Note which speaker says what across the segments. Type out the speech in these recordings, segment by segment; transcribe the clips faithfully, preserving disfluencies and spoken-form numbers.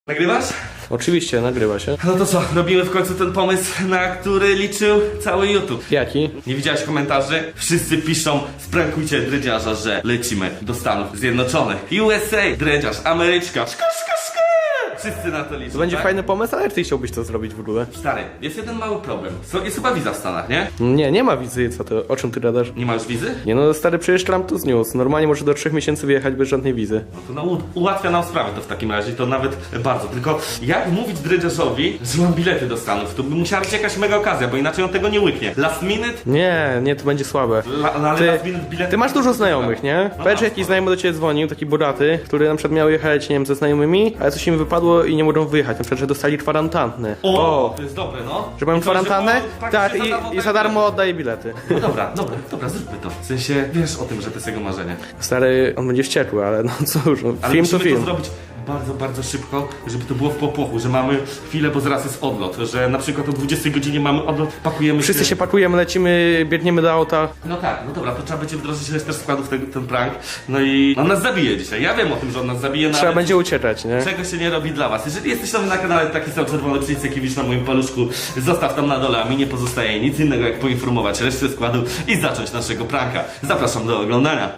Speaker 1: Nagrywasz?
Speaker 2: Oczywiście, nagrywa się.
Speaker 1: No to co, robimy w końcu ten pomysł, na który liczył cały YouTube.
Speaker 2: Jaki?
Speaker 1: Nie widziałeś komentarzy? Wszyscy piszą, sprankujcie dredziarza, że lecimy do Stanów Zjednoczonych. U S A, dredziarz, Ameryczka, szka, szka, szka. Wszyscy na to liczą,
Speaker 2: To będzie
Speaker 1: tak?
Speaker 2: fajny pomysł, ale ty chciałbyś to zrobić w ogóle.
Speaker 1: Stary, jest jeden mały problem. So, jest chyba wiza w Stanach, nie?
Speaker 2: Nie, nie ma wizy, co to, o czym ty gadasz?
Speaker 1: Nie masz wizy?
Speaker 2: Nie no, stary, przecież Trump to zniósł. Normalnie może do trzech miesięcy wyjechać bez żadnej wizy.
Speaker 1: No to no, u- ułatwia nam sprawę to w takim razie, to nawet bardzo. Tylko jak mówić dredziarzowi, że mam bilety do Stanów? To by musiała być jakaś mega okazja, bo inaczej on tego nie łyknie. Last minute?
Speaker 2: Nie, nie, to będzie słabe.
Speaker 1: La, no, ale
Speaker 2: Ty,
Speaker 1: last minute bilety...
Speaker 2: ty masz dużo znajomych, nie?
Speaker 1: No
Speaker 2: Powiedz, że
Speaker 1: mam.
Speaker 2: jakiś znajomy do ciebie dzwonił, taki bogaty, który na przykład miał jechać, nie wiem, ze znajomymi, ale coś im wypadło i nie mogą wyjechać. Na przykład, że dostali kwarantannę.
Speaker 1: O, to jest dobre, no.
Speaker 2: Że mają
Speaker 1: I to,
Speaker 2: kwarantannę?
Speaker 1: po-
Speaker 2: Tak,
Speaker 1: się
Speaker 2: i,
Speaker 1: darmo
Speaker 2: i za darmo oddaje bilety.
Speaker 1: No dobra, dobra, dobra, zróbmy to. W sensie, wiesz o tym, że to jest jego marzenie.
Speaker 2: Stary, on będzie wściekły, ale no cóż, no,
Speaker 1: Ale
Speaker 2: film to
Speaker 1: musimy
Speaker 2: film.
Speaker 1: to zrobić bardzo, bardzo szybko, żeby to było w popłochu, że mamy chwilę, bo zaraz jest odlot, że na przykład o dwudziestej godzinie mamy odlot, pakujemy
Speaker 2: Wszyscy
Speaker 1: się...
Speaker 2: się pakujemy, lecimy, biegniemy do auta.
Speaker 1: No tak, no dobra, to trzeba będzie wdrożyć resztę składów ten, ten prank. No i on nas zabije dzisiaj. Ja wiem o tym, że on nas zabije, no
Speaker 2: Trzeba
Speaker 1: ale
Speaker 2: będzie uciekać, nie?
Speaker 1: czego się nie robi dla was. Jeżeli jesteś nowy na kanale, taki sam czerwony przycisk, jaki widzisz na moim paluszku, zostaw tam na dole, a mi nie pozostaje nic innego, jak poinformować resztę składu i zacząć naszego pranka. Zapraszam do oglądania.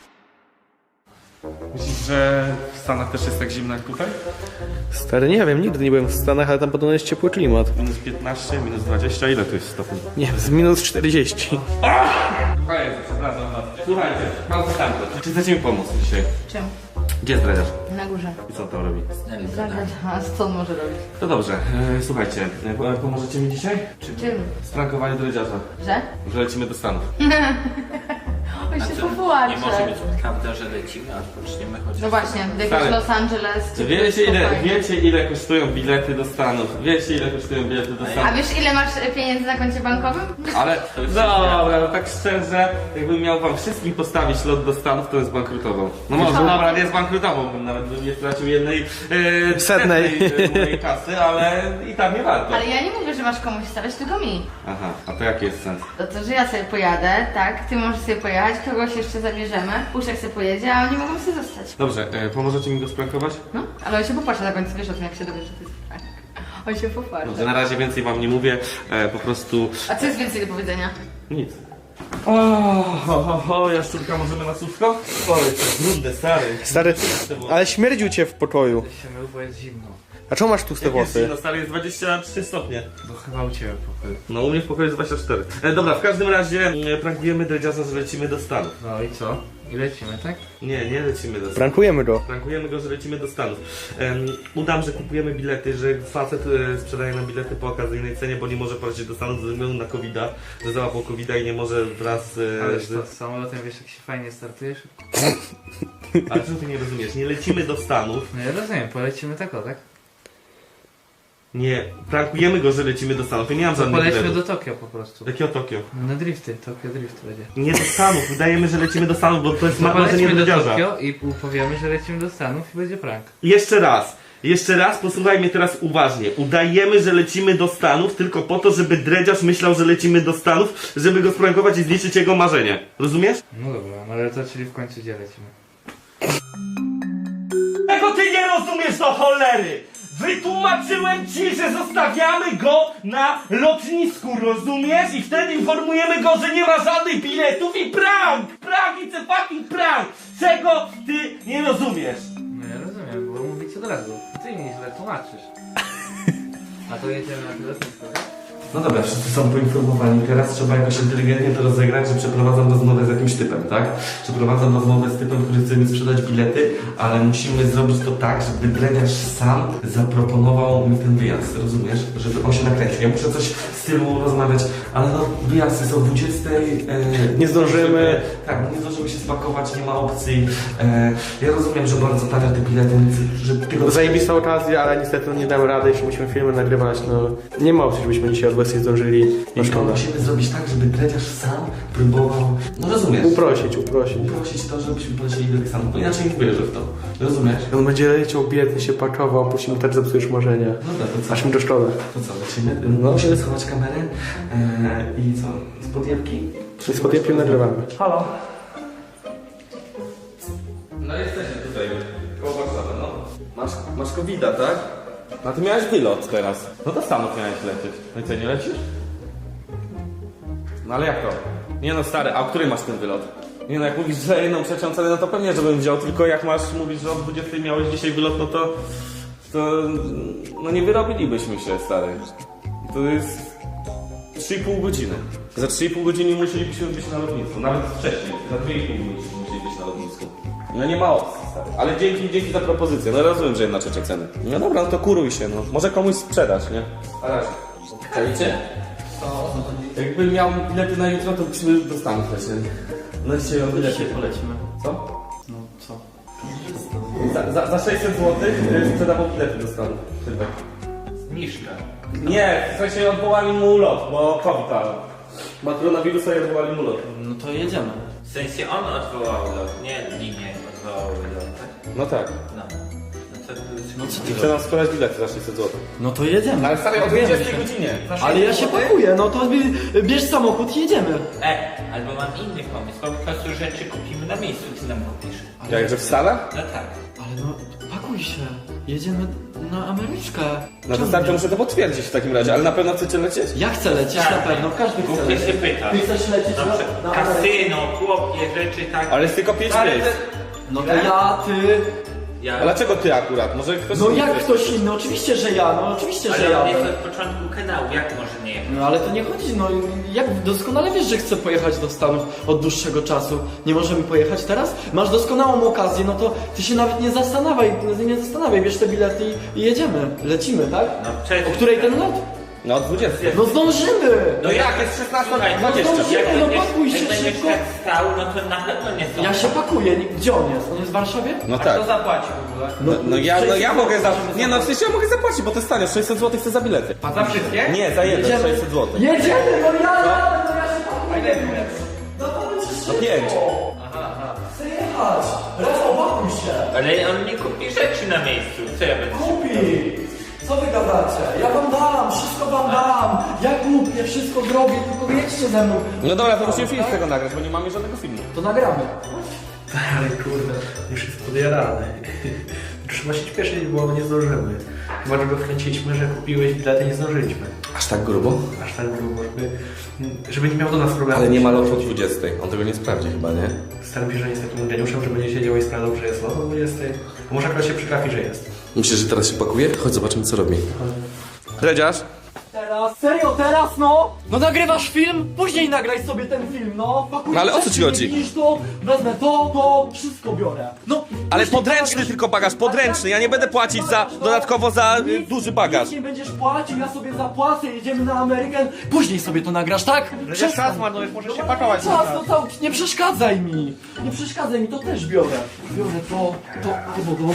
Speaker 1: Myślisz, że w Stanach też jest tak zimno jak tutaj?
Speaker 2: Stary, nie wiem, nigdy nie byłem w Stanach, ale tam podobno jest ciepły klimat.
Speaker 1: Minus piętnaście, minus dwadzieścia, ile to jest stopni?
Speaker 2: Nie wiem, z minus czterdzieści.
Speaker 1: Słuchajcie, przepraszam was. Słuchajcie, mam pytanko. Czy chcecie mi pomóc dzisiaj?
Speaker 3: Czym?
Speaker 1: Gdzie jest dredziarz?
Speaker 3: Na górze.
Speaker 1: I co on tam robi?
Speaker 3: Zagrać, a co on może robić?
Speaker 1: To dobrze, e, słuchajcie, e, pomożecie mi dzisiaj?
Speaker 3: Czym?
Speaker 1: Sprankowanie dredziarza,
Speaker 3: Że?
Speaker 1: że lecimy do Stanów.
Speaker 3: On się
Speaker 4: Nie
Speaker 3: popłacze.
Speaker 4: może być prawda, że lecimy, a poczniemy chociaż...
Speaker 3: No właśnie, do
Speaker 1: Stary.
Speaker 3: jakiegoś Los Angeles czy
Speaker 1: Wiecie ile,
Speaker 3: spokojnie.
Speaker 1: wiecie ile kosztują bilety do Stanów? Wiecie ile kosztują bilety do
Speaker 3: A
Speaker 1: Stanów?
Speaker 3: wiesz ile masz pieniędzy na koncie bankowym?
Speaker 1: Ale
Speaker 4: To już
Speaker 1: dobra, no tak szczerze, jakbym miał wam wszystkim postawić lot do Stanów, to bym zbankrutował. No może dobra, nie zbankrutował, bym nawet bym nie stracił jednej e,
Speaker 2: Setnej.
Speaker 1: e, mojej kasy, ale i tak nie warto.
Speaker 3: Ale ja nie mówię, że masz komuś stawiać, tylko mi.
Speaker 1: Aha, a to jaki jest sens?
Speaker 3: To to, że ja sobie pojadę, tak? Ty możesz sobie pojechać, kogoś jeszcze zabierzemy, Puszek sobie pojedzie, a oni mogą sobie zostać.
Speaker 1: Dobrze, e, pomożecie mi go sprankować?
Speaker 3: No, ale on się popłacze na końcu, wiesz o tym, jak się dowiesz, że to jest prank. On się popłacze.
Speaker 1: Dobrze, na razie więcej wam nie mówię, e, po prostu
Speaker 3: A co jest więcej do powiedzenia?
Speaker 1: nic. O, ho, ho, ho, jaszczurka, możemy na słówko? O, jest brudne, stary.
Speaker 2: Stary, ale śmierdził cię w pokoju.
Speaker 4: się mył, bo jest zimno.
Speaker 2: A czemu masz tłuste włosy?
Speaker 1: No stary, jest dwadzieścia trzy stopnie.
Speaker 4: Bo chyba u ciebie pokoju.
Speaker 1: No u mnie w pokoju jest dwadzieścia cztery. E, dobra, w każdym razie e, prankujemy dredziarza, że lecimy do Stanów.
Speaker 4: No i co? I lecimy, tak?
Speaker 1: Nie, nie lecimy do Stanów.
Speaker 2: Prankujemy go.
Speaker 1: Prankujemy go, że lecimy do Stanów. Em, udam, że kupujemy bilety, że facet e, sprzedaje nam bilety po okazyjnej cenie, bo nie może polecieć do Stanów ze względu na kowida, że załapał kowida i nie może wraz e,
Speaker 4: Ależ to
Speaker 1: z...
Speaker 4: z samolotem wiesz jak się fajnie startujesz?
Speaker 1: Ale co ty nie rozumiesz? Nie lecimy do Stanów.
Speaker 4: No ja rozumiem, polecimy tak o, tak?
Speaker 1: Nie, prankujemy go, że lecimy do Stanów. Ja nie mam
Speaker 4: To
Speaker 1: żadnych
Speaker 4: polećmy
Speaker 1: biletów.
Speaker 4: do Tokio po prostu.
Speaker 1: Jakiego Tokio?
Speaker 4: Na drifty, Tokio Drift będzie.
Speaker 1: Nie do Stanów, udajemy, że lecimy do Stanów, bo to jest
Speaker 4: No
Speaker 1: ma- marzenie
Speaker 4: polećmy do
Speaker 1: dredziarza.
Speaker 4: Tokio i powiemy, że lecimy do Stanów i będzie prank.
Speaker 1: Jeszcze raz, jeszcze raz, posłuchaj mnie teraz uważnie. Udajemy, że lecimy do Stanów tylko po to, żeby dredziarz myślał, że lecimy do Stanów, żeby go sprankować i zniszczyć jego marzenie. Rozumiesz?
Speaker 4: No dobra, no ale to czyli w końcu gdzie lecimy?
Speaker 1: Tego ty nie rozumiesz do cholery! Wytłumaczyłem ci, że zostawiamy go na lotnisku, rozumiesz? I wtedy informujemy go, że nie ma żadnych biletów i prank! Prank, it's a fucking prank! Czego ty nie rozumiesz?
Speaker 4: No ja rozumiem, bo mówić od razu. Ty mi źle tłumaczysz. A to jedziemy na lotnisko, tak?
Speaker 1: No dobra, wszyscy są poinformowani. Teraz trzeba jakoś inteligentnie to rozegrać, że przeprowadzam rozmowę z jakimś typem, tak? Przeprowadzam rozmowę z typem, który chce mi sprzedać bilety, ale musimy zrobić to tak, żeby dredziarz sam zaproponował mi ten wyjazd, rozumiesz? Żeby on się nakręcił. Ja muszę coś w stylu rozmawiać, ale no wyjazdy są o dwudziestej. E,
Speaker 2: Nie zdążymy.
Speaker 1: Tak, no nie zdążymy się spakować, nie ma opcji. E, ja rozumiem, że bardzo tanio te bilety, więc że tylko...
Speaker 2: Zajebista okazja, ale niestety nie damy rady, jeśli musimy filmy nagrywać, no... Nie ma opcji, żebyśmy dzisiaj od dwudziestej zdążyli. No
Speaker 1: I to
Speaker 2: szkoda.
Speaker 1: musimy zrobić tak, żeby dredziarz sam próbował, no rozumiesz?
Speaker 2: Uprosić, uprosić.
Speaker 1: Uprosić to, żebyśmy polecieli do tych Stanów, bo inaczej nie wierzę w to. Rozumiesz?
Speaker 2: On będzie leciał biedny, się pakował, później mu tak zepsujesz marzenia.
Speaker 1: Dobra, to co?
Speaker 2: Aż mi to szkoda.
Speaker 1: To co, lecimy?
Speaker 2: No.
Speaker 1: Musimy schować kamerę e, i co? Z podjebki?
Speaker 2: I z podjęciem nagrywamy.
Speaker 1: Halo? No jesteśmy tutaj, koło Warszawy, no. Masz, masz kowida, tak? No ty miałeś wylot teraz. No do Stanów miałeś lecieć. No i co, nie lecisz? No ale jak to? Nie no stary, a o której masz ten wylot? Nie no, jak mówisz, że jedną trzecią cenę, no to pewnie, żebym wziął, tylko jak masz, mówisz, że o dwudziestej miałeś dzisiaj wylot, no to... To... no nie wyrobilibyśmy się, stary. To jest... trzy i pół godziny. Za trzy i pół godziny musielibyśmy być na lotnisku, nawet wcześniej, za dwie i pół godziny musieli być na lotnisku. No nie ma opcji, stary. Ale dzięki, dzięki za propozycję, no rozumiem, że jedna trzecia ceny. No dobra, no to kuruj się, no. Może komuś sprzedać, nie? Na razie. Czajcie? Jakbym miał bilety na jutro, to byśmy do Stanów lecieli. No dzisiaj o bilecie polecimy. Co?
Speaker 2: No co?
Speaker 1: Za, za, za sześćset złotych sprzedawał bilety do Stanów. Tylko.
Speaker 4: Zniżka.
Speaker 1: Nie, w sensie odwołali mu ulot, bo COVID, ale ma koronawirusa i odwołali mu ulot.
Speaker 2: No to jedziemy.
Speaker 4: W sensie on odwołał lot, nie linie odwołały lot, tak?
Speaker 1: No tak.
Speaker 4: No. No to...
Speaker 2: No co
Speaker 1: I chce nam sprzedać bilety za sześćset złotych.
Speaker 2: No to jedziemy.
Speaker 1: Ale stary, o dwudziestej godzinie.
Speaker 2: Ale ja się pakuję, no to bie- bierz samochód i jedziemy.
Speaker 4: E, albo mam inny pomysł, po prostu rzeczy kupimy na miejscu, ty nam kupisz.
Speaker 1: Jak, że w Stanach?
Speaker 4: No tak.
Speaker 2: Ale no, pakuj się. Jedziemy na Ameryczkę.
Speaker 1: No to
Speaker 2: Czemu
Speaker 1: stary, to
Speaker 2: nie?
Speaker 1: muszę to potwierdzić w takim razie, ale na pewno chcecie lecieć?
Speaker 2: Ja chcę lecieć na pewno, każdy chce
Speaker 4: Głupie się
Speaker 2: lecieć.
Speaker 4: pyta.
Speaker 2: Ty chcesz lecieć na,
Speaker 4: Dobrze.
Speaker 2: na Amerykę?
Speaker 4: Kasyno, chłopie, rzeczy tak.
Speaker 1: Ale jest tylko pięć
Speaker 4: Ale
Speaker 1: miejsc.
Speaker 2: No to ja, ty...
Speaker 4: Ja...
Speaker 1: A dlaczego ty akurat? Może ktoś
Speaker 2: No
Speaker 1: inny
Speaker 2: jak
Speaker 1: chce?
Speaker 2: ktoś inny, oczywiście, że ja, no oczywiście, że
Speaker 4: Ale
Speaker 2: ja.
Speaker 4: on jest od początku kanału, jak może nie jechać?
Speaker 2: No ale to nie chodzi, no jak doskonale wiesz, że chcę pojechać do Stanów od dłuższego czasu. Nie możemy pojechać teraz? Masz doskonałą okazję, no to ty się nawet nie zastanawiaj, nie zastanawiaj, bierz te bilety i, i jedziemy, lecimy, tak?
Speaker 4: No przecież...
Speaker 2: O której ten lot?
Speaker 1: No o dwudziestej.
Speaker 2: No zdążymy!
Speaker 1: No jak, jest szesnasta
Speaker 4: Słuchaj,
Speaker 1: dwadzieścia.
Speaker 2: no
Speaker 4: Jak
Speaker 2: no
Speaker 4: będziesz,
Speaker 2: pakuj się
Speaker 4: jak będziesz
Speaker 2: szybko.
Speaker 4: tak stał, no to na pewno nie są.
Speaker 2: Ja się pakuję, nie- gdzie on jest? On jest w Warszawie?
Speaker 1: No
Speaker 4: A
Speaker 1: tak.
Speaker 4: kto zapłaci w ogóle?
Speaker 1: No, no ja, no ja mogę za...
Speaker 2: możemy
Speaker 1: Nie no, w sensie ja mogę zapłacić, bo to jest tanio, sześćset złotych chcę za bilety.
Speaker 4: A za wszystkie?
Speaker 1: Nie, za jeden,
Speaker 2: Jedziemy.
Speaker 1: sześćset złotych.
Speaker 2: Jedziemy, no ja jadę, no ja się pakuję! No to będzie
Speaker 1: No
Speaker 2: szybko!
Speaker 1: pięć.
Speaker 2: Chcę jechać! Rafał, pakuj się!
Speaker 4: Ale on nie kupi rzeczy na miejscu, co ja będę...
Speaker 2: Kupi! Co wy gadacie? Ja wam dam, wszystko wam dam! Ja kupię, wszystko zrobię, tylko jedźcie ze mną.
Speaker 1: No dobra, to musimy film z tego nagrać, bo nie mamy żadnego filmu.
Speaker 2: To nagramy.
Speaker 5: Ale kurde, już jest podjarany. Trzeba się śpieszyć, bo nie zdążymy. Chyba, że go wkręciliśmy, że kupiłeś bilety, nie zdążyliśmy.
Speaker 1: Aż tak grubo?
Speaker 5: Aż tak grubo, żeby, żeby nie miał do nas problemu.
Speaker 1: Ale nie ma lotu o dwudziestej. On tego nie sprawdzi chyba, nie?
Speaker 5: Staram się, że nie jest takim geniuszem, że będzie siedział i sprawdzał, że jest lot o dwudziestej. A może akurat się przytrafi, że jest.
Speaker 1: Myślisz, że teraz się pakuje? Chodź, zobaczymy co robi. Dredziarz?
Speaker 2: Teraz, serio, teraz no? No nagrywasz film? Później nagraj sobie ten film, no. Pakuj
Speaker 1: No ale o co ci
Speaker 2: rzeczy,
Speaker 1: chodzi?
Speaker 2: Widzisz to, wezmę to, to, wszystko biorę. No.
Speaker 1: Ale
Speaker 2: później
Speaker 1: podręczny
Speaker 2: nagrasz-
Speaker 1: tylko bagaż, podręczny. Ja nie będę płacić za, dodatkowo za y,
Speaker 2: Nic-
Speaker 1: duży bagaż.
Speaker 2: Nic nie będziesz płacił, ja sobie zapłacę, jedziemy na Amerykę. Później sobie to nagrasz, tak?
Speaker 5: Przestań. Czas marnujesz, możesz się pakować.
Speaker 2: Czas, no to nie przeszkadzaj mi. Nie przeszkadzaj mi, to też biorę. Biorę to, to, to, to.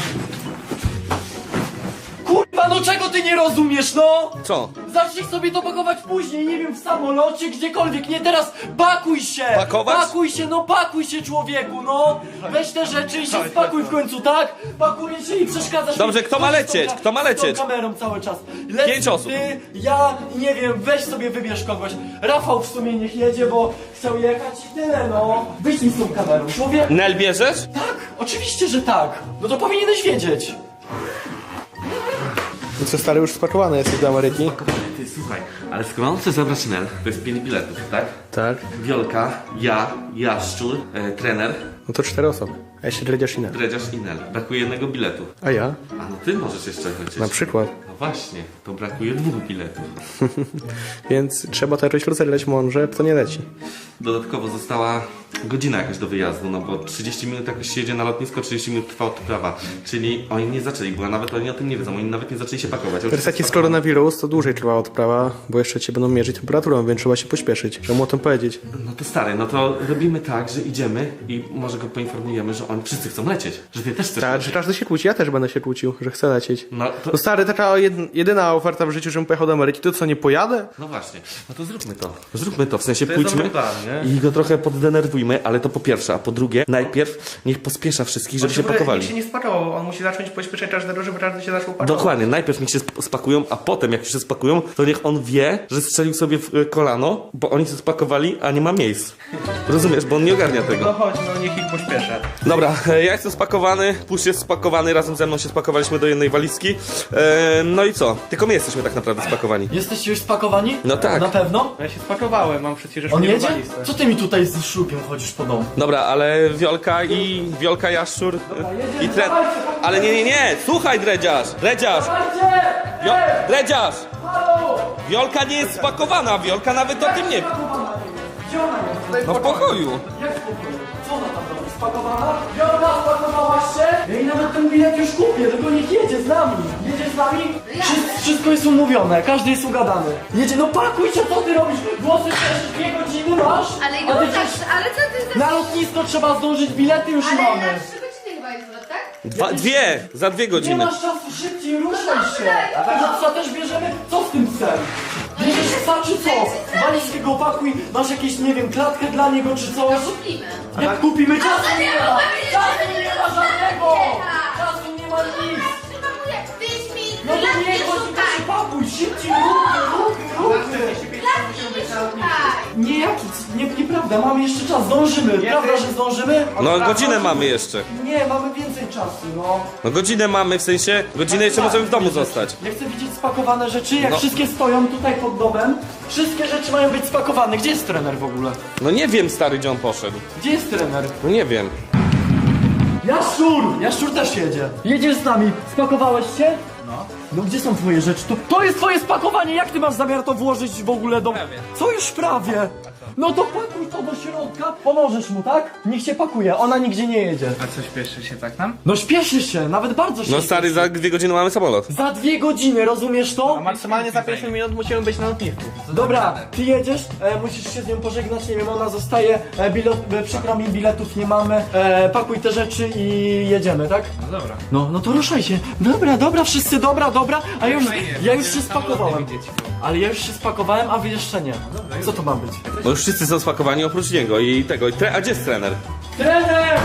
Speaker 2: Kurwa, no czego ty nie rozumiesz, no?
Speaker 1: Co?
Speaker 2: Zacznij sobie to pakować później, nie wiem, w samolocie, gdziekolwiek, nie teraz, pakuj się!
Speaker 1: Pakować?
Speaker 2: Pakuj się, no pakuj się, człowieku, no! Weź te rzeczy i się spakuj w końcu, tak? Pakuj się i przeszkadzasz
Speaker 1: Dobrze,
Speaker 2: mi.
Speaker 1: kto ma
Speaker 2: Chodź
Speaker 1: lecieć?
Speaker 2: z tą-
Speaker 1: Kto ma
Speaker 2: z tą
Speaker 1: lecieć?
Speaker 2: kamerą cały czas. Lec
Speaker 1: Pięć osób.
Speaker 2: Ty, ja, nie wiem, weź sobie wybierz kogoś. Rafał w sumie niech jedzie, bo chciał jechać i tyle, no. Wyjdź mi z tą kamerą, człowiek.
Speaker 1: Nel bierzesz?
Speaker 2: Tak, oczywiście, że tak. No to powinieneś wiedzieć.
Speaker 6: No co, stary, już spakowany jesteś do Ameryki?
Speaker 1: Ty, słuchaj, ale skoro on chce zabrać Nel, to jest pięć biletów, tak?
Speaker 6: Tak.
Speaker 1: Wiolka, ja, Jaszczur, e, trener,
Speaker 6: No to cztery osoby. A jeszcze Dredziarz i Nel.
Speaker 1: Dredziarz i Nel. Brakuje jednego biletu.
Speaker 6: A ja?
Speaker 1: A no ty możesz jeszcze lecieć.
Speaker 6: Na przykład.
Speaker 1: No właśnie, to brakuje dwóch biletów.
Speaker 6: Więc trzeba też rozerleć mądrze, to nie leci.
Speaker 1: Dodatkowo została godzina jakaś do wyjazdu, no bo trzydzieści minut jakoś się jedzie na lotnisko, trzydzieści minut trwa odprawa. Czyli oni nie zaczęli, bo nawet oni o tym nie wiedzą, oni nawet nie zaczęli się pakować.
Speaker 6: Teraz jak jest koronawirus, to dłużej trwa odprawa, bo jeszcze cię będą mierzyć temperaturą, więc trzeba się pośpieszyć. Trzeba mu o tym powiedzieć.
Speaker 1: No to stary, no to robimy tak, że idziemy i może go poinformujemy, że oni wszyscy chcą lecieć. Że ty też chcesz
Speaker 6: Tak,
Speaker 1: lecieć.
Speaker 6: że każdy się kłóci, ja też będę się kłócił, że chcę lecieć.
Speaker 1: No to...
Speaker 6: No stary, taka jed- jedyna oferta w życiu, żebym pojechał do Ameryki, to co, nie pojadę?
Speaker 1: No właśnie, no to zróbmy to. Zróbmy to, w sensie
Speaker 5: jest
Speaker 1: pójdźmy
Speaker 5: dobry plan, nie?
Speaker 1: i go trochę poddenerwujmy, ale to po pierwsze, a po drugie, najpierw niech pospiesza wszystkich, żeby się pakowali.
Speaker 5: Nikt się nie spakował, on musi zacząć pośpieszać każdego, żeby każdy się zaczął pakować.
Speaker 1: Dokładnie, najpierw niech się sp- spakują, a potem jak się spakują, to niech on wie, że strzelił sobie w y, kolano, bo oni się spakowali spakowali, a nie ma miejsc. Rozumiesz, bo on nie ogarnia
Speaker 5: No
Speaker 1: tego.
Speaker 5: chodź, no niech ich pośpieszę.
Speaker 1: Dobra, e, ja jestem spakowany, Pusz jest spakowany, razem ze mną się spakowaliśmy do jednej walizki. E, no i co? Tylko my jesteśmy tak naprawdę spakowani.
Speaker 2: Jesteście już spakowani?
Speaker 1: No tak.
Speaker 2: Na pewno?
Speaker 5: Ja się spakowałem, mam przecież
Speaker 2: On
Speaker 5: mnie w
Speaker 2: jedzie?
Speaker 5: walizce.
Speaker 2: Co ty mi tutaj z szlugiem chodzisz po domu?
Speaker 1: Dobra, ale Wiolka i Wiolka Jaszczur i Tren... Ale nie, nie, nie! Słuchaj, Dredziarz! Dredziarz! Wio... Dredziarz! Wiolka nie jest spakowana, Wiolka nawet o tym nie...
Speaker 2: Gdzie ona jest?
Speaker 1: No w pokoju.
Speaker 2: Jak w pokoju? Co ona tam robi? Spakowana? Wiolka, spakowałaś się? Ja jej nawet ten bilet już kupię, tylko niech jedzie z nami. Jedzie z nami? Wszystko, wszystko jest umówione, każdy jest ugadany. Jedzie, no pakuj się, co ty robisz? Włosy też dwie godziny masz?
Speaker 3: Ale
Speaker 2: A ty
Speaker 3: już
Speaker 2: przecież
Speaker 3: tak, ale co ty za...
Speaker 2: na lotnisko trzeba zdążyć, bilety już
Speaker 3: Ale
Speaker 2: mamy.
Speaker 3: na trzy godziny chyba jest lot, tak?
Speaker 1: Dwa, dwie! Za dwie
Speaker 2: Nie
Speaker 1: godziny.
Speaker 2: masz czasu, szybciej ruszaj się! A tego psa też bierzemy? Co z tym psem? Bierzesz psa czy co? Walizkę go opakuj, masz jakieś, nie wiem, klatkę dla niego czy coś?
Speaker 3: Kupimy.
Speaker 2: Jak kupimy? Czasu
Speaker 3: Ale
Speaker 2: nie
Speaker 3: nie
Speaker 2: ma!
Speaker 3: ma!
Speaker 2: Czasu nie ma żadnego! Czasu nie ma nic!
Speaker 3: Przypakuję, pięć minut,
Speaker 2: No to
Speaker 3: klatki
Speaker 2: nie, chodź,
Speaker 3: szukaj!
Speaker 2: przypakuj, szybciej, ruchy, ruchy, ruchy!
Speaker 3: Klatki nie szukaj!
Speaker 2: Nie, jaki, nie, nieprawda, mamy jeszcze czas, zdążymy, prawda, że zdążymy?
Speaker 1: No godzinę mamy jeszcze.
Speaker 2: Nie, mamy więcej czasu, no.
Speaker 1: No godzinę mamy, w sensie godzinę jeszcze możemy w domu zostać.
Speaker 2: Ja chcę widzieć spakowane rzeczy, jak
Speaker 1: No.
Speaker 2: wszystkie stoją tutaj pod domem. Wszystkie rzeczy mają być spakowane. Gdzie jest trener w ogóle?
Speaker 1: No nie wiem, stary, gdzie on poszedł.
Speaker 2: Gdzie jest trener?
Speaker 1: No nie wiem.
Speaker 2: Jaszczur! Jaszczur też jedzie. Jedziesz z nami. Spakowałeś się? No. No gdzie są twoje rzeczy? To, to jest twoje spakowanie! Jak ty masz zamiar to włożyć w ogóle do...
Speaker 4: Prawie.
Speaker 2: Co już prawie? No to pakuj to do środka. Pomożesz mu, tak? Niech się pakuje, ona nigdzie nie jedzie.
Speaker 4: A co, śpieszy się tak nam?
Speaker 2: No śpieszy się, nawet bardzo się
Speaker 1: No stary,
Speaker 2: śpieszy.
Speaker 1: za dwie godziny mamy samolot.
Speaker 2: Za dwie godziny, rozumiesz to?
Speaker 5: A maksymalnie za pięć minut musimy być na lotnisku.
Speaker 2: Dobra, ty jedziesz, e, musisz się z nią pożegnać, nie wiem, ona zostaje, e, bilet, e, przykro mi, biletów nie mamy, e, pakuj te rzeczy i jedziemy, tak?
Speaker 4: No dobra.
Speaker 2: No, no to ruszaj się. Dobra, dobra, wszyscy, dobra, dobra, a ja już,
Speaker 4: Fajnie,
Speaker 2: ja już
Speaker 4: będziemy
Speaker 2: się
Speaker 4: samolot
Speaker 2: spakowałem.
Speaker 4: widzieć.
Speaker 2: Ale ja już się spakowałem, a wy jeszcze nie. Co to ma być?
Speaker 1: Bo już wszyscy są spakowani oprócz niego i tego. I tre... A gdzie jest trener?
Speaker 2: Trener!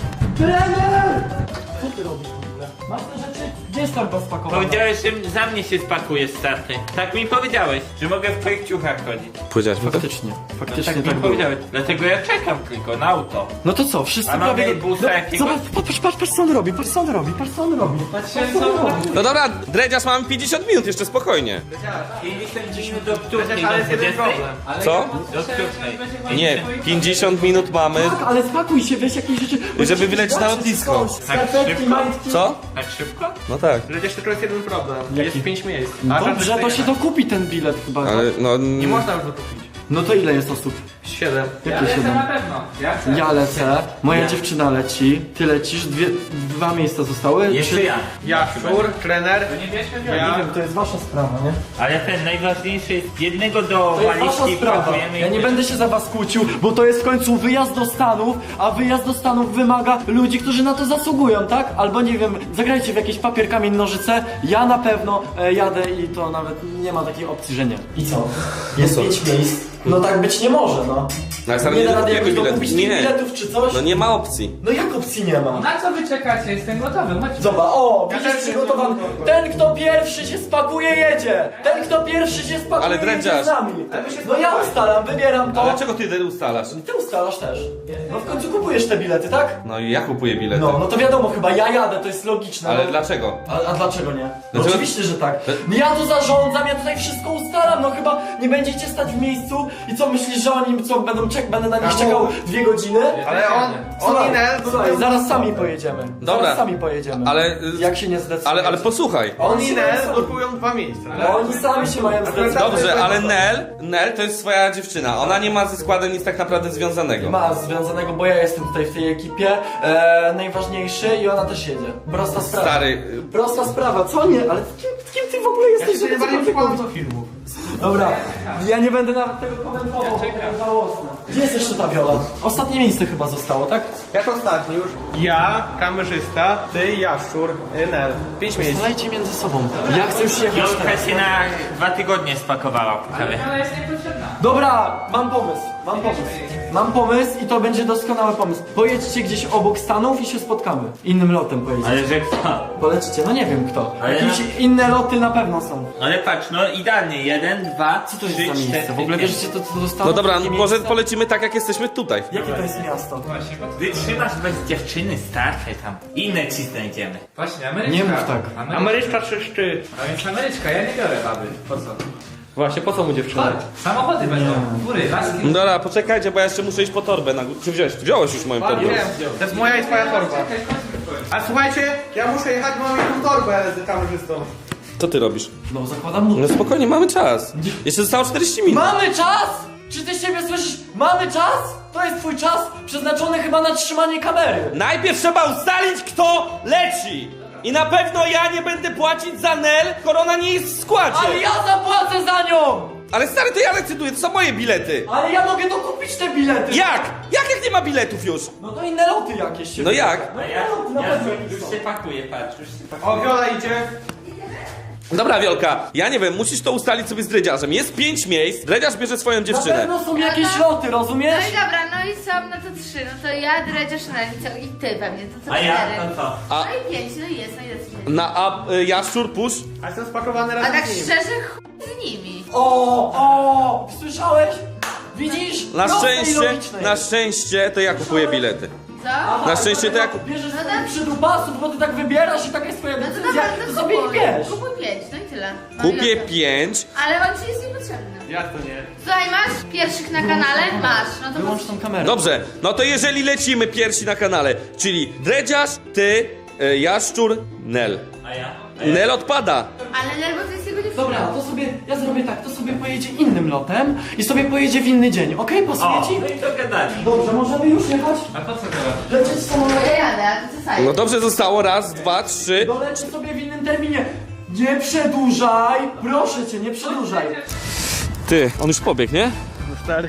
Speaker 2: Trener! Co ty robisz w ogóle? Masz te rzeczy? Gdzie jest torba spakowana?
Speaker 7: Powiedziałeś, że za mnie się spakujesz, starty. Tak mi powiedziałeś, że mogę w twoich ciuchach chodzić.
Speaker 1: Powiedziałeś mi to?
Speaker 2: Faktycznie, faktycznie
Speaker 7: Tak
Speaker 2: tak
Speaker 7: mi
Speaker 2: było.
Speaker 7: powiedziałeś. Dlatego ja czekam tylko na auto.
Speaker 2: No to co, wszyscy
Speaker 7: A mamy
Speaker 2: prawie...
Speaker 7: busa
Speaker 2: No,
Speaker 7: jakiegoś?
Speaker 2: zobacz, patrz, patrz, patrz co on robi, patrz co on robi, patrz co on robi. Patrz co on robi.
Speaker 1: No dobra, Dredziarz, mamy pięćdziesiąt minut, jeszcze spokojnie.
Speaker 7: pięćdziesiąt minut do której?
Speaker 5: Ale jest jeden problem.
Speaker 1: Co?
Speaker 7: Do której?
Speaker 1: Nie, pięćdziesiąt minut mamy.
Speaker 2: Tak, ale spakuj się, weź jakieś rzeczy.
Speaker 1: Żeby wylecieć na lotnisko.
Speaker 2: Skarpetki, majtki.
Speaker 1: Co?
Speaker 7: Tak szybko?
Speaker 1: No tak.
Speaker 5: Przecież tylko jest jeden problem.
Speaker 2: Jaki?
Speaker 5: Jest pięć miejsc.
Speaker 2: Dobrze, to się dokupi ten bilet chyba.
Speaker 1: Ale no...
Speaker 5: Nie można już dokupić.
Speaker 2: No to ile jest osób?
Speaker 5: Siedem.
Speaker 4: Ja
Speaker 2: Jakie
Speaker 4: lecę
Speaker 2: siedem?
Speaker 4: na pewno. Ja chcę.
Speaker 2: Ja lecę, moja dziewczyna leci, ty lecisz, dwie, dwa miejsca zostały?
Speaker 7: Jeszcze
Speaker 2: Czy-
Speaker 7: ja.
Speaker 5: Jaszczur, trener.
Speaker 4: To nie bierzmy
Speaker 2: Ja
Speaker 4: ja.
Speaker 2: nie wiem, to jest wasza sprawa, nie?
Speaker 7: Ale ten najważniejszy jest jednego do
Speaker 2: To jest wasza
Speaker 7: walizki
Speaker 2: sprawa.
Speaker 7: pakujemy i
Speaker 2: Ja nie będę się za was kłócił, bo to jest w końcu wyjazd do Stanów, a wyjazd do Stanów wymaga ludzi, którzy na to zasługują, tak? Albo nie wiem, zagrajcie w jakieś papier, kamień, nożyce. Ja na pewno e, jadę i to nawet nie ma takiej opcji, że nie. I co? Jest pięć miejsc. No tak być nie może, no.
Speaker 1: Ale stary,
Speaker 2: Nie
Speaker 1: nie
Speaker 2: da rady
Speaker 1: dokupujemy
Speaker 2: jakoś
Speaker 1: bilet.
Speaker 2: dokupić tych
Speaker 1: Nie.
Speaker 2: biletów czy coś?
Speaker 1: No nie ma opcji.
Speaker 2: No jak opcji nie ma?
Speaker 4: Na co wy czekacie? Jestem gotowy. Chodźcie.
Speaker 2: Zobacz, o,
Speaker 5: Ja
Speaker 2: widzisz
Speaker 5: też
Speaker 2: przygotowany.
Speaker 5: jestem
Speaker 2: Ten, kto pierwszy się spakuje, jedzie. Ten, kto pierwszy się spakuje,
Speaker 1: Ale
Speaker 2: jedzie
Speaker 1: drędziarz.
Speaker 2: z nami. No ja ustalam, wybieram to.
Speaker 1: Ale dlaczego ty wtedy ustalasz?
Speaker 2: Ty ustalasz też. No w końcu kupujesz te bilety, tak?
Speaker 1: No i ja kupuję bilety.
Speaker 2: No, no to wiadomo, chyba ja jadę, to jest logiczne.
Speaker 1: Ale
Speaker 2: no.
Speaker 1: dlaczego?
Speaker 2: A, a dlaczego nie? No
Speaker 1: Dlaczego?
Speaker 2: oczywiście, że tak. No ja tu zarządzam, ja tutaj wszystko ustalam, no chyba nie będziecie stać w miejscu i co myślisz, że oni co będą czek, będę na nich
Speaker 5: Kamu?
Speaker 2: czekał dwie godziny?
Speaker 5: Ale on, on
Speaker 2: Słuchaj,
Speaker 5: i Nel,
Speaker 2: słuchaj, zaraz sami pojedziemy.
Speaker 1: Dobra.
Speaker 2: Zaraz sami pojedziemy.
Speaker 1: Ale... y,
Speaker 2: Jak się nie zdecydujesz?
Speaker 1: Ale, ale posłuchaj.
Speaker 5: on i
Speaker 2: się
Speaker 5: Nel
Speaker 2: sami-
Speaker 5: blokują dwa miejsca.
Speaker 2: No oni sami się mają zdecydować.
Speaker 1: Dobrze, ale Nel, Nel to jest swoja dziewczyna. Ona nie ma ze składem nic tak naprawdę związanego.
Speaker 2: Ma związanego, bo ja jestem tutaj w tej ekipie e, najważniejszy i ona też jedzie. Prosta sprawa.
Speaker 1: Stary,
Speaker 2: Prosta sprawa, co nie? Ale kim, kim ty w ogóle
Speaker 5: Ja
Speaker 2: jesteś?
Speaker 5: się
Speaker 2: żeby
Speaker 5: najbardziej
Speaker 2: cokolwiek
Speaker 5: przykładam
Speaker 2: mówić?
Speaker 5: do filmów.
Speaker 2: Dobra, ja nie będę nawet tego komentował, bo to jest żałosne. Gdzie jest jeszcze ta Viola? Ostatnie miejsce chyba zostało, tak?
Speaker 5: Jak ostatni już? Ja, kamerzysta, ty, Jaszczur, Nel. Pięć miejsc.
Speaker 2: Strzelajcie między sobą. Ja chcę już jechać
Speaker 7: Jolka
Speaker 2: teraz.
Speaker 7: się na dwa tygodnie spakowała po prawie.
Speaker 4: Ona jest niepotrzebna.
Speaker 2: Dobra, mam pomysł, mam pomysł. mam pomysł i to będzie doskonały pomysł. Pojedźcie gdzieś obok Stanów i się spotkamy. Innym lotem pojedziecie.
Speaker 7: Ale że kto?
Speaker 2: Polecicie, no nie wiem kto.
Speaker 7: Ale
Speaker 2: Jakieś
Speaker 7: no-
Speaker 2: inne loty na pewno są.
Speaker 7: Ale patrz, no idealnie. Jeden, dwa,
Speaker 2: Co to jest
Speaker 7: trzy,
Speaker 2: za miejsce?
Speaker 7: cztery,
Speaker 2: W ogóle
Speaker 7: pięć.
Speaker 2: wiesz, gdzie to, to do Stanów?
Speaker 1: No dobra,
Speaker 2: Takie
Speaker 1: może
Speaker 2: miejsce?
Speaker 1: polecimy tak jak jesteśmy tutaj.
Speaker 2: Jakie to jest miasto?
Speaker 7: Wytrzymasz bez dziewczyny, starczaj tam. Inne ci znajdziemy.
Speaker 4: Właśnie, Ameryczka.
Speaker 2: Nie mów tak.
Speaker 4: Ameryczka.
Speaker 5: Ameryczka czy szczy?
Speaker 4: A więc Ameryczka, ja nie biorę baby. Po co?
Speaker 6: Właśnie, po co mu dziewczyna?
Speaker 4: Chodź, samochody będą. Góry, laski.
Speaker 1: No dobra, poczekajcie, bo ja jeszcze muszę iść po torbę na górę. Czy wziąłeś? Wziąłeś już moją torbę.
Speaker 5: To jest moja i twoja torba. A słuchajcie, ja muszę jechać, bo mam jedną torbę z kamerzystą.
Speaker 1: Co ty robisz?
Speaker 2: No zakładam mu.
Speaker 1: No spokojnie, mamy czas. Jeszcze zostało czterdzieści minut.
Speaker 2: Mamy czas! Czy ty siebie słyszysz? Mamy czas? To jest twój czas przeznaczony chyba na trzymanie kamery.
Speaker 1: Najpierw trzeba ustalić, kto leci. I na pewno ja nie będę płacić za Nel, skoro ona nie jest w składzie.
Speaker 2: Ale ja zapłacę za nią!
Speaker 1: Ale stary, to ja decyduję, to są moje bilety.
Speaker 2: Ale ja mogę dokupić te bilety!
Speaker 1: Jak? Jak jak nie ma biletów już?
Speaker 2: No to inne loty jakieś się...
Speaker 1: No jak?
Speaker 2: No
Speaker 7: A
Speaker 2: inne
Speaker 7: ja,
Speaker 2: loty na
Speaker 7: ja
Speaker 2: pewno
Speaker 7: już
Speaker 2: jakieś są.
Speaker 7: się pakuję, patrz, już się
Speaker 5: O,
Speaker 7: pakuję.
Speaker 5: Viola idzie.
Speaker 1: Dobra, Wiolka, ja nie wiem, musisz to ustalić sobie z dredziarzem. Jest pięć miejsc, dredziarz bierze swoją
Speaker 2: Na
Speaker 1: dziewczynę.
Speaker 2: pewno są jakieś loty,
Speaker 3: No
Speaker 2: rozumiesz?
Speaker 3: i dobra, no i są, no to trzy, no to ja, Dredziarz, no i ty pewnie, to co
Speaker 7: A ja,
Speaker 3: cztery.
Speaker 7: to co?
Speaker 1: A-
Speaker 3: No i pięć, no i jest, no i jest.
Speaker 1: Na a y, jaszczur, pusz.
Speaker 5: A jestem spakowany
Speaker 3: A
Speaker 5: razem
Speaker 3: tak
Speaker 5: z nim.
Speaker 3: szczerze, chuj z nimi.
Speaker 2: O, o, słyszałeś? Widzisz?
Speaker 1: Na
Speaker 2: Proste i
Speaker 1: szczęście,
Speaker 2: logiczne
Speaker 1: na
Speaker 2: jest.
Speaker 1: szczęście to ja kupuję bilety.
Speaker 3: Co?
Speaker 2: Aha,
Speaker 1: na szczęście to ja
Speaker 2: dlatego
Speaker 1: kup-
Speaker 2: Bierzesz
Speaker 3: No
Speaker 2: sobie
Speaker 3: tak.
Speaker 2: przydupasów, bo ty tak wybierasz i taka jest twoja
Speaker 3: No to
Speaker 2: decyzja,
Speaker 3: dobra,
Speaker 2: to
Speaker 3: to
Speaker 2: sobie ich
Speaker 3: kupuj.
Speaker 2: bierz.
Speaker 3: Kupuj pięć, no i tyle. No
Speaker 1: Kupię
Speaker 3: i okej.
Speaker 1: pięć.
Speaker 3: Ale on ci jest niepotrzebny.
Speaker 5: Jak to nie?
Speaker 3: Słuchaj, masz pierwszych na kanale? Masz, no to
Speaker 2: Wyłącz tą kamerę.
Speaker 1: Dobrze, no to jeżeli lecimy pierwsi na kanale, czyli dredziarz, ty, y, jaszczur, Nel.
Speaker 7: A ja?
Speaker 1: Nel odpada.
Speaker 3: Ale nerwo to jest jego dziewczyna.
Speaker 2: Dobra, to sobie, ja zrobię tak, to sobie pojedzie innym lotem i sobie pojedzie w inny dzień, okej? Pasuje
Speaker 7: O,
Speaker 2: ci?
Speaker 7: no i to gadali.
Speaker 2: Dobrze, możemy już jechać?
Speaker 4: A po co teraz?
Speaker 2: Lecieć samolotem?
Speaker 3: No ja jadę, a ty co sajesz?
Speaker 1: No dobrze, zostało raz, dwa, trzy.
Speaker 2: Doleci sobie w innym terminie. Nie przedłużaj! Proszę cię, nie przedłużaj.
Speaker 1: Ty, on już pobiegł, nie?
Speaker 5: No stary,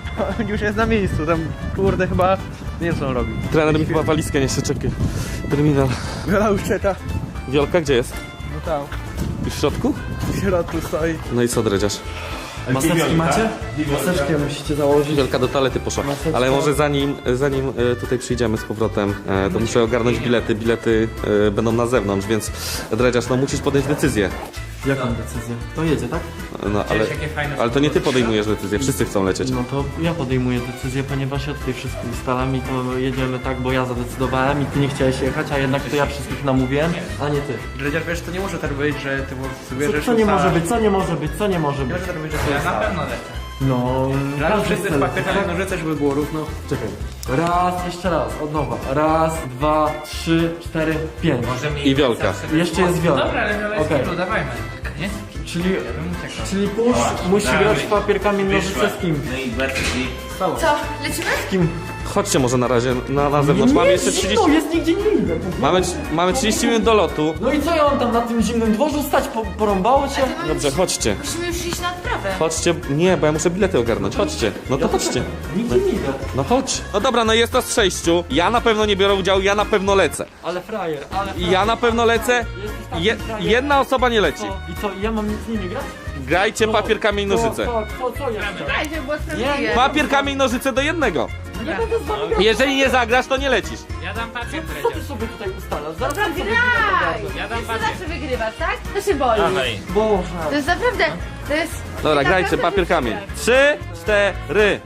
Speaker 5: on już jest na miejscu, tam kurde chyba nie wiem co on robi.
Speaker 1: Trener mi chyba walizkę nie się czekaj. Terminal.
Speaker 5: Viola już czeka.
Speaker 1: Wiolka, gdzie jest?
Speaker 5: No tam,
Speaker 1: Już w środku?
Speaker 5: w środku stoi.
Speaker 1: No i co, dredziarz?
Speaker 2: Maseczki macie? Maseczkę musicie założyć.
Speaker 1: Wielka do toalety poszła. Ale może zanim, zanim e, tutaj przyjdziemy z powrotem, e, to muszę ogarnąć bilety. Bilety e, będą na zewnątrz, więc dredziarz, no musisz podjąć decyzję.
Speaker 2: Jaką decyzję? To jedzie, tak?
Speaker 1: No ale,
Speaker 4: jakie fajne
Speaker 1: ale to nie ty podejmujesz decyzję, wszyscy chcą lecieć.
Speaker 2: No to ja podejmuję decyzję, ponieważ ja tutaj wszystko ustalam i to jedziemy tak, bo ja zadecydowałem i ty nie chciałeś jechać, a jednak to ja wszystkich namówiłem, a nie ty.
Speaker 5: Dredziarz, wiesz, to nie może tak być, że ty
Speaker 2: Co,
Speaker 5: wybierzesz
Speaker 2: co nie może być, co nie może być, co nie może
Speaker 5: Nie
Speaker 2: być?
Speaker 5: może tak być, że to
Speaker 4: Ja
Speaker 5: jest
Speaker 4: na pewno lecę.
Speaker 2: No...
Speaker 5: Razem
Speaker 2: każdy
Speaker 5: wszyscy
Speaker 2: chce
Speaker 5: w
Speaker 2: lecieć,
Speaker 5: papierach
Speaker 2: tak?
Speaker 5: nożyce, żeby było równo.
Speaker 2: Czekaj. Raz, jeszcze raz, od nowa. Raz, dwa, trzy, cztery, pięć.
Speaker 7: Może
Speaker 1: I Wiolka.
Speaker 2: Jeszcze jest Wiola.
Speaker 4: Dobra, ale Viola jest
Speaker 2: Okej.
Speaker 4: okay. dawajmy. Nie?
Speaker 2: Czyli,
Speaker 4: Ja bym uciekał.
Speaker 2: czyli pusz musi
Speaker 7: dawaj.
Speaker 2: grać w papier, kamień, nożyce z kim?
Speaker 7: No i Bertki.
Speaker 3: Co, lecimy?
Speaker 2: Z kim?
Speaker 1: Chodźcie może na razie na, na zewnątrz. Mamy jeszcze trzydzieści...
Speaker 2: No, jest nigdzie nie idę.
Speaker 1: Mamy, mamy trzydzieści minut do lotu.
Speaker 2: No i co ja mam tam na tym zimnym dworzu stać? Po, porąbało cię?
Speaker 1: Dobrze, chodźcie.
Speaker 3: Musimy już iść na odprawę.
Speaker 1: Chodźcie. Nie, bo ja muszę bilety ogarnąć. Chodźcie. No to chodźcie.
Speaker 2: Nigdzie nie idę.
Speaker 1: No chodź. No dobra, no jest to z sześciu. Ja na pewno nie biorę udziału, ja na pewno lecę.
Speaker 2: Ale frajer, ale
Speaker 1: I
Speaker 2: frajer.
Speaker 1: ja na pewno lecę.
Speaker 2: Jesteś taki
Speaker 1: Je,
Speaker 2: frajer.
Speaker 1: jedna osoba nie leci.
Speaker 2: Co? I co, i ja mam z nimi grać?
Speaker 1: Grajcie papier, kamień, nożyce.
Speaker 2: Co, co, co, co jeszcze?
Speaker 3: Daj, żeby było sprawiedliwe.
Speaker 1: Papier, kamień, nożyce do jednego.
Speaker 2: Nie będę z wami grał.
Speaker 1: Jeżeli nie zagrasz, to nie lecisz.
Speaker 7: Ja dam papier,
Speaker 2: Co ty sobie tutaj ustalasz? Zaraz
Speaker 3: Dobra,
Speaker 2: ty sobie
Speaker 3: graj!
Speaker 2: tutaj
Speaker 7: Ja dam
Speaker 3: Ty
Speaker 7: papier.
Speaker 3: zawsze wygrywasz, tak? To się boli.
Speaker 7: Dawaj.
Speaker 2: Boże.
Speaker 3: To jest naprawdę, to jest...
Speaker 1: Dobra,
Speaker 3: to
Speaker 1: grajcie
Speaker 3: naprawdę
Speaker 1: papier, kamień.
Speaker 3: wygrać.
Speaker 1: Trzy, cztery.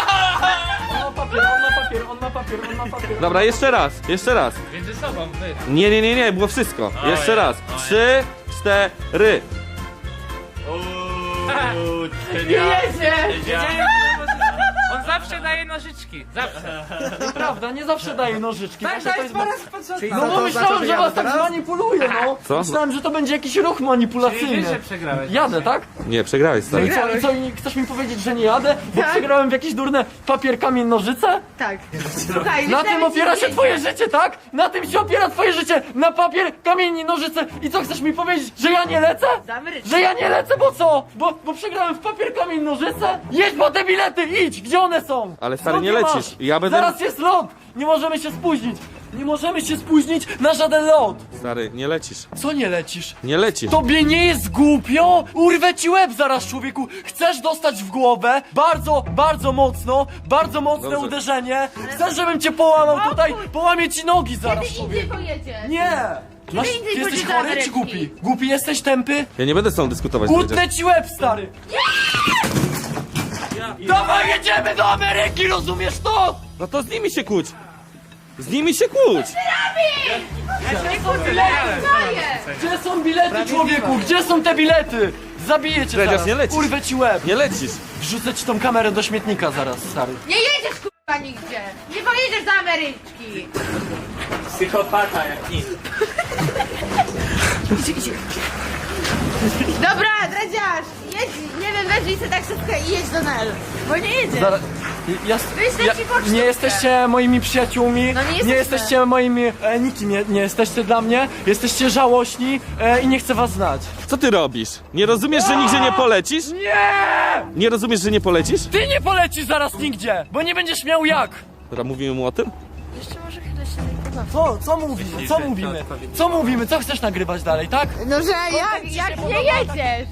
Speaker 2: On ma papier, on ma papier, on ma papier, on ma papier.
Speaker 1: Dobra, jeszcze raz, jeszcze raz.
Speaker 7: Między sobą, wy.
Speaker 1: Nie, nie, nie, nie, było wszystko.
Speaker 7: O
Speaker 1: Jeszcze
Speaker 7: ja,
Speaker 1: raz.
Speaker 7: o ja.
Speaker 1: Trzy, cztery.
Speaker 7: Uuu,
Speaker 3: Jedzie!
Speaker 7: On zawsze daje nożyczki. Zawsze.
Speaker 2: Prawda, nie zawsze daje nożyczki.
Speaker 7: Tak,
Speaker 2: Także to
Speaker 7: daj
Speaker 2: jest...
Speaker 7: po raz po co?
Speaker 5: Czyli
Speaker 2: No
Speaker 5: co,
Speaker 2: bo
Speaker 5: to
Speaker 2: myślałem,
Speaker 5: znaczy,
Speaker 2: że
Speaker 5: ja
Speaker 2: was tak
Speaker 5: teraz?
Speaker 2: zmanipuluje, no.
Speaker 1: Co?
Speaker 2: Myślałem, że to będzie jakiś ruch
Speaker 4: Czyli
Speaker 2: manipulacyjny.
Speaker 4: wiesz, że przegrałeś.
Speaker 2: Jadę, tak?
Speaker 1: Nie, przegrałeś,
Speaker 2: No
Speaker 1: stary.
Speaker 2: i co, i co, i chcesz mi powiedzieć, że nie jadę? Bo
Speaker 3: Tak.
Speaker 2: przegrałem w jakieś durne papier, kamień, nożyce?
Speaker 3: Tak. Słuchaj,
Speaker 2: Na
Speaker 3: wyślemy
Speaker 2: tym
Speaker 3: ci
Speaker 2: opiera się
Speaker 3: zdjęcia.
Speaker 2: twoje życie, tak? Na tym się opiera twoje życie! Na papier, kamień i nożyce! I co, chcesz mi powiedzieć, że ja nie lecę?
Speaker 3: Zamrycz.
Speaker 2: Że ja nie lecę, bo co? Bo, bo przegrałem w papier, kamień, nożyce? Jedź po te bilety, idź! Gdzie one są?
Speaker 1: Ale stary,
Speaker 2: Skąd
Speaker 1: nie
Speaker 2: je
Speaker 1: lecisz.
Speaker 2: masz?
Speaker 1: Ja będę-
Speaker 2: Zaraz jest lot! Nie możemy się spóźnić! Nie możemy się spóźnić na żaden lot!
Speaker 1: Stary, nie lecisz.
Speaker 2: Co nie lecisz?
Speaker 1: Nie lecisz.
Speaker 2: Tobie nie jest głupio? Urwę ci łeb zaraz, człowieku! Chcesz dostać w głowę? Bardzo, bardzo mocno, bardzo mocne
Speaker 1: Dobrze.
Speaker 2: uderzenie. Chcesz, żebym cię połamał tutaj? Połamię ci nogi zaraz,
Speaker 3: Kiedy indziej
Speaker 2: człowieku.
Speaker 3: pojedziesz?
Speaker 2: Nie! Masz,
Speaker 3: indziej
Speaker 2: ty jesteś
Speaker 3: pójdziesz do
Speaker 2: chory czy
Speaker 3: Ameryki.
Speaker 2: głupi? Głupi jesteś, tępy?
Speaker 1: Ja nie będę z tobą dyskutować, Dredziarz.
Speaker 2: Utnę ci łeb, stary! Dawaj, jedziemy do Ameryki, rozumiesz to?
Speaker 1: No to z nimi się kłóć. Z nimi się kłóć.
Speaker 2: Gdzie są bilety, człowieku? Gdzie są te bilety? Zabiję cię
Speaker 1: Dredziarz,
Speaker 2: zaraz.
Speaker 1: nie lecisz.
Speaker 2: Urwę ci łeb.
Speaker 1: Nie lecisz.
Speaker 2: Wrzucę ci tą kamerę do śmietnika zaraz, stary.
Speaker 3: Nie jedziesz kurwa nigdzie! Nie pojedziesz do Ameryczki!
Speaker 7: Psychopata jak nic.
Speaker 3: Dobra, Dredziarz, jedź, nie wiem, weź sobie taksówkę i jedź do Nel. Bo nie jedziesz.
Speaker 2: Zaraz. Ja,
Speaker 3: Wyślę
Speaker 2: ja,
Speaker 3: ci pocztówkę.
Speaker 2: nie jesteście moimi przyjaciółmi,
Speaker 3: No nie
Speaker 2: nie
Speaker 3: jesteśmy.
Speaker 2: jesteście moimi, e, nikim nie, nie jesteście dla mnie, jesteście żałośni e, i nie chcę was znać.
Speaker 1: Co ty robisz? Nie rozumiesz, że nigdzie nie polecisz?
Speaker 2: Nie!
Speaker 1: Nie rozumiesz, że nie polecisz?
Speaker 2: Ty nie polecisz zaraz nigdzie, bo nie będziesz miał jak.
Speaker 1: Dobra, mówimy mu o tym?
Speaker 3: Jeszcze może chwilę się nie pobawię.
Speaker 2: Co, co mówimy, co mówimy, co mówimy, co chcesz nagrywać dalej, tak?
Speaker 3: No, że jak,
Speaker 2: ci
Speaker 3: jak
Speaker 2: się
Speaker 3: nie
Speaker 2: podoba,
Speaker 3: jedziesz?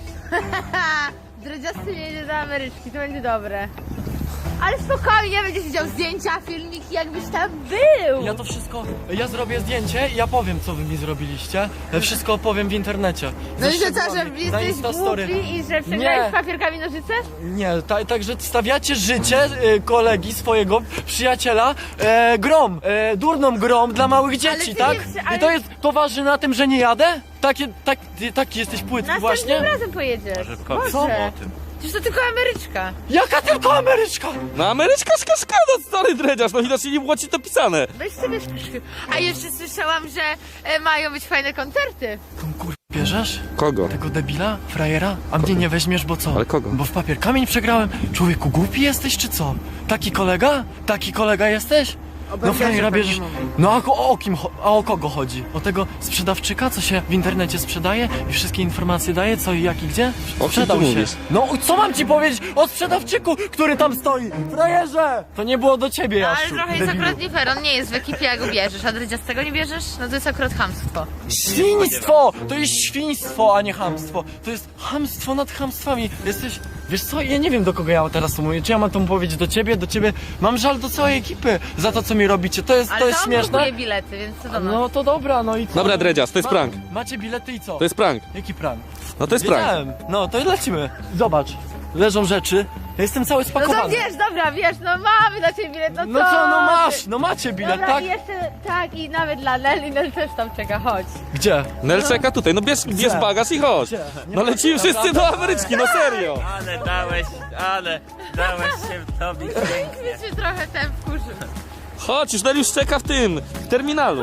Speaker 3: Dredziasty nie jedzie do Ameryczki, to będzie dobre. Ale spokojnie, będziesz widział zdjęcia, filmiki, jakbyś tam był.
Speaker 2: Ja to wszystko, ja zrobię zdjęcie i ja powiem, co wy mi zrobiliście. Ja wszystko opowiem w internecie.
Speaker 3: No i
Speaker 2: Ze
Speaker 3: że co, że
Speaker 2: szczegółami, na
Speaker 3: jesteś
Speaker 2: Instastory.
Speaker 3: głupi i że
Speaker 2: Nie.
Speaker 3: przegrałeś papierkami nożyce?
Speaker 2: Nie, ta, także stawiacie życie e, kolegi, swojego przyjaciela e, grom, e, durną grom dla małych dzieci,
Speaker 3: ty
Speaker 2: tak?
Speaker 3: nie przy- ale-
Speaker 2: I to jest, to waży na tym, że nie jadę? Takie, tak, ty, taki jesteś płytki
Speaker 3: Następnym
Speaker 2: właśnie?
Speaker 3: razem pojedziesz.
Speaker 7: powiedz
Speaker 2: Co?
Speaker 7: mu o tym.
Speaker 3: Przecież to tylko Ameryczka.
Speaker 2: Jaka tylko Ameryczka?
Speaker 1: No Ameryczka szkaszkada, stary Dredziarz, no widocznie nie było ci to pisane.
Speaker 3: Weź sobie szpryszki. A jeszcze słyszałam, że e, mają być fajne koncerty.
Speaker 2: Tą kur... bierzesz?
Speaker 1: Kogo?
Speaker 2: Tego debila? Frajera? A mnie nie weźmiesz, bo co?
Speaker 1: Ale kogo?
Speaker 2: Bo w papier kamień przegrałem. Człowieku, głupi jesteś, czy co? Taki kolega? Taki kolega jesteś? No frajera bierzesz... No a o, o kim, cho- a o kogo chodzi? O tego sprzedawczyka, co się w internecie sprzedaje i wszystkie informacje daje, co i jak i gdzie?
Speaker 1: O kim
Speaker 2: Sprzedał
Speaker 1: ty
Speaker 2: się.
Speaker 1: mówisz?
Speaker 2: No co mam ci powiedzieć o sprzedawczyku, który tam stoi? Frajerze! To nie było do ciebie,
Speaker 3: No, ale
Speaker 2: Jasiu,
Speaker 3: trochę jest
Speaker 2: debilu.
Speaker 3: akurat nie fair, on nie jest w ekipie, jak go bierzesz, a Dredziastego nie bierzesz? No to jest akurat chamstwo.
Speaker 2: Świństwo! To jest świństwo, a nie chamstwo. To jest chamstwo nad chamstwami. Jesteś... Wiesz co, ja nie wiem, do kogo ja teraz to mówię. Czy ja mam to powiedzieć do ciebie, do ciebie? Mam żal do całej ekipy za to, co mi robicie. To jest,
Speaker 3: Ale
Speaker 2: to jest
Speaker 3: on
Speaker 2: śmieszne.
Speaker 3: kupuje bilety, więc co do nas?
Speaker 2: No to dobra, no i co?
Speaker 1: Dobra, Dredziarz, to jest
Speaker 2: Ma-
Speaker 1: prank.
Speaker 2: Macie bilety i co?
Speaker 1: To jest prank.
Speaker 2: Jaki prank?
Speaker 1: No to jest prank.
Speaker 2: Wiedziałem. No to lecimy. Zobacz, leżą rzeczy. Ja jestem cały
Speaker 3: No
Speaker 2: spakowany.
Speaker 3: to wiesz, dobra, wiesz, no mamy dla ciebie bilet, no co?
Speaker 2: No co, no
Speaker 3: ty?
Speaker 2: masz, no macie bilet,
Speaker 3: Dobra,
Speaker 2: tak?
Speaker 3: i jeszcze, tak, i nawet dla Nel, i Nel też tam czeka, chodź.
Speaker 2: Gdzie?
Speaker 1: Nel czeka tutaj, no bierz, bierz bagaż i chodź.
Speaker 2: Gdzie? Nie
Speaker 1: No
Speaker 2: ma-
Speaker 1: lecimy wszyscy do Ameryczki, no serio.
Speaker 7: Ale dałeś, ale dałeś się tobie pięknie.
Speaker 3: Więc się trochę ten wkurzył.
Speaker 1: Chodź, już Nel już czeka w tym, w terminalu.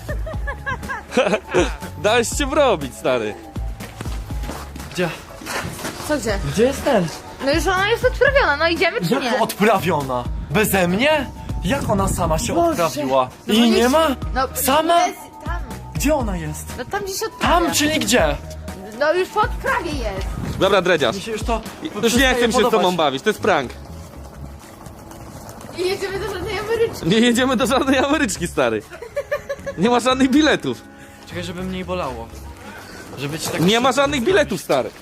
Speaker 1: Dałeś się wrobić, stary.
Speaker 2: Gdzie?
Speaker 3: Co gdzie?
Speaker 2: Gdzie jest ten?
Speaker 3: No już ona jest odprawiona, no idziemy czy nie?
Speaker 2: Jak odprawiona? Beze mnie? Jak ona sama się
Speaker 3: Boże.
Speaker 2: odprawiła?
Speaker 3: No
Speaker 2: I
Speaker 3: bo
Speaker 2: nie
Speaker 3: nie-
Speaker 2: ma?
Speaker 3: No,
Speaker 2: Sama?
Speaker 3: Jest, tam,
Speaker 2: Gdzie ona jest?
Speaker 3: no tam gdzieś odprawia.
Speaker 2: Tam, czyli gdzie?
Speaker 3: No już po odprawie jest.
Speaker 1: Dobra, Dredziarz.
Speaker 2: Mi się już to
Speaker 1: Już nie chcę się z tobą bawić, to jest prank.
Speaker 3: I jedziemy do żadnej Ameryczki.
Speaker 1: Nie jedziemy do żadnej Ameryczki, stary. Nie ma żadnych biletów.
Speaker 2: Czekaj, żeby mnie bolało. Żeby ci tak...
Speaker 1: Nie ma żadnych biletów, stary.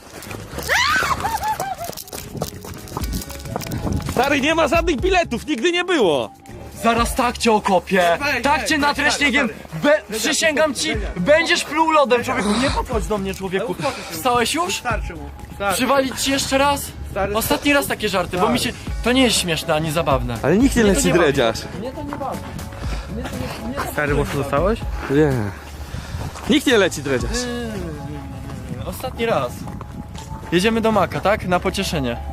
Speaker 1: Stary, nie ma żadnych biletów, nigdy nie było.
Speaker 2: Zaraz tak cię okopię, tak cię natręśniegiem, be... przysięgam ci, będziesz pluł lodem, człowieku, nie podchodź do mnie, człowieku. Wstałeś już?
Speaker 5: Starczy mu. Starczy.
Speaker 2: Przywalić ci jeszcze raz?
Speaker 5: Stary,
Speaker 2: Ostatni raz takie żarty, bo mi się... To nie jest śmieszne ani zabawne.
Speaker 1: Ale nikt nie
Speaker 2: Mnie to
Speaker 1: leci,
Speaker 2: nie bawi.
Speaker 1: Dredziarz.
Speaker 2: Mnie to nie bawi.
Speaker 5: Stary, mocno dostałeś?
Speaker 1: Nie. Nikt nie leci, Dredziarz.
Speaker 2: Ostatni raz. Jedziemy do Maka, tak? Na pocieszenie.